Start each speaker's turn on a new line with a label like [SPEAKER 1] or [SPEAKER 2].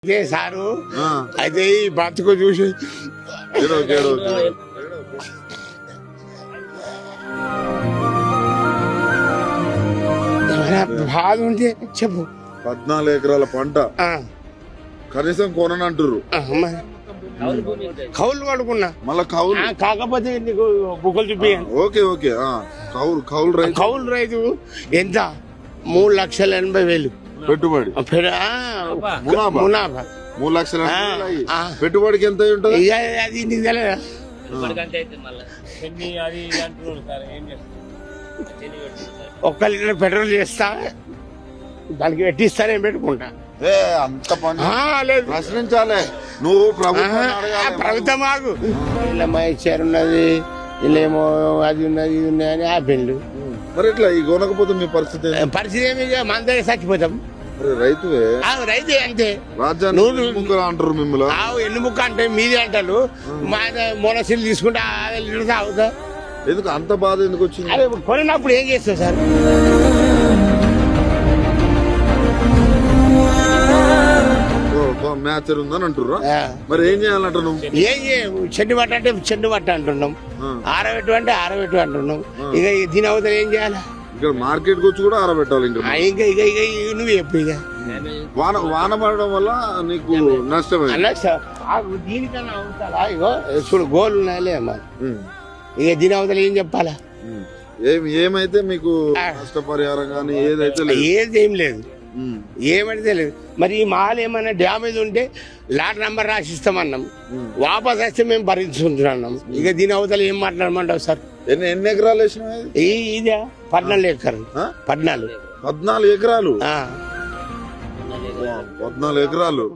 [SPEAKER 1] అదే సారు అయితే ఈ బతుకు చూసి బాధ ఉంటే చెప్పు.
[SPEAKER 2] 14 ఎకరాల పంట కనీసం కొననంటారు.
[SPEAKER 1] కౌలు పడుకున్నా
[SPEAKER 2] మళ్ళా కౌలు
[SPEAKER 1] కాకపోతే నీకు బుక్కలు చూపియాను.
[SPEAKER 2] ఓకే ఓకే కౌలు రైతు
[SPEAKER 1] కౌలు రైతు ఎంత 3,80,000
[SPEAKER 2] పెట్టుబడి
[SPEAKER 1] మునాఫా
[SPEAKER 2] 3 లక్షల పెట్టుబడికి ఎంత అయి ఉంటది?
[SPEAKER 1] అది నీకు తెలియదా? ఒక్క లీటర్ పెట్రోల్ చేస్తా దానికి పెట్టిస్తానే పెట్టుకుంటా.
[SPEAKER 2] అంత పని
[SPEAKER 1] లేదు
[SPEAKER 2] ప్రశ్నించాలి నువ్వు
[SPEAKER 1] ప్రభుత్వం ఆగు. ఇలా మా ఇచ్చారు ఉన్నది ఇల్లేమో అది ఉన్నది ఇది ఉన్నది అని ఆపిండు.
[SPEAKER 2] మరి ఇట్లా ఈ కొనకపోతే మీ పరిస్థితి
[SPEAKER 1] పరిస్థితి ఏమి మన దగ్గర చచ్చిపోతాం.
[SPEAKER 2] రైతువే
[SPEAKER 1] రైతే అంతే.
[SPEAKER 2] రాజ్యాన్ని అంటారు మిమ్మల్ని.
[SPEAKER 1] ఎన్ని ముక్క అంటే మీది అంటారు. మా మోనసీలు తీసుకుంటే అవుతా.
[SPEAKER 2] ఎందుకు అంత బాధ ఎందుకు వచ్చింది?
[SPEAKER 1] అదే కొనినప్పుడు ఏం చేస్తావు సార్?
[SPEAKER 2] మ్యాచర్ ఉందని అంటుర్రా? మరి ఏం చేయాలంట నువ్వు?
[SPEAKER 1] ఏం చెండు పట్ట అంటే చెండు పట్ట అంటున్నాం, ఆరబెట్టు అంటే ఆరబెట్టు అంటున్నాం. ఇక దీని అవతల ఏం చేయాలి?
[SPEAKER 2] ఇక్కడ మార్కెట్ వచ్చి కూడా ఆరబెట్టాలి.
[SPEAKER 1] ఇంకా ఇక ఇక నువ్వు చెప్పు. ఇక
[SPEAKER 2] వాన పడడం వల్ల నీకు నష్టమే.
[SPEAKER 1] దీనికన్నా అవుతారా? ఇగో చూడు గోళ్ళు ఉన్నాయలే అమ్మా. ఇక దీని అవతల ఏం చెప్పాలా?
[SPEAKER 2] ఏమైతే మీకు నష్టపరిహారం కానీ ఏదైతే
[SPEAKER 1] ఏది ఏం లేదు, ఏమంటే లేదు. మరి ఈ మాల్ ఏమైనా డ్యామేజ్ ఉంటే లాట్ నంబర్ రాసిస్తామన్నాం, వాపస్ వస్తే మేము భరించుకుంటున్నాం. ఇక దీని అవతల ఏం మాట్లాడమంటావు సార్?
[SPEAKER 2] ఎన్ని ఎకరాలు వేసినా?
[SPEAKER 1] ఇదే 14 ఎకరాలు. 14
[SPEAKER 2] ఎకరాలు 14 ఎకరాలు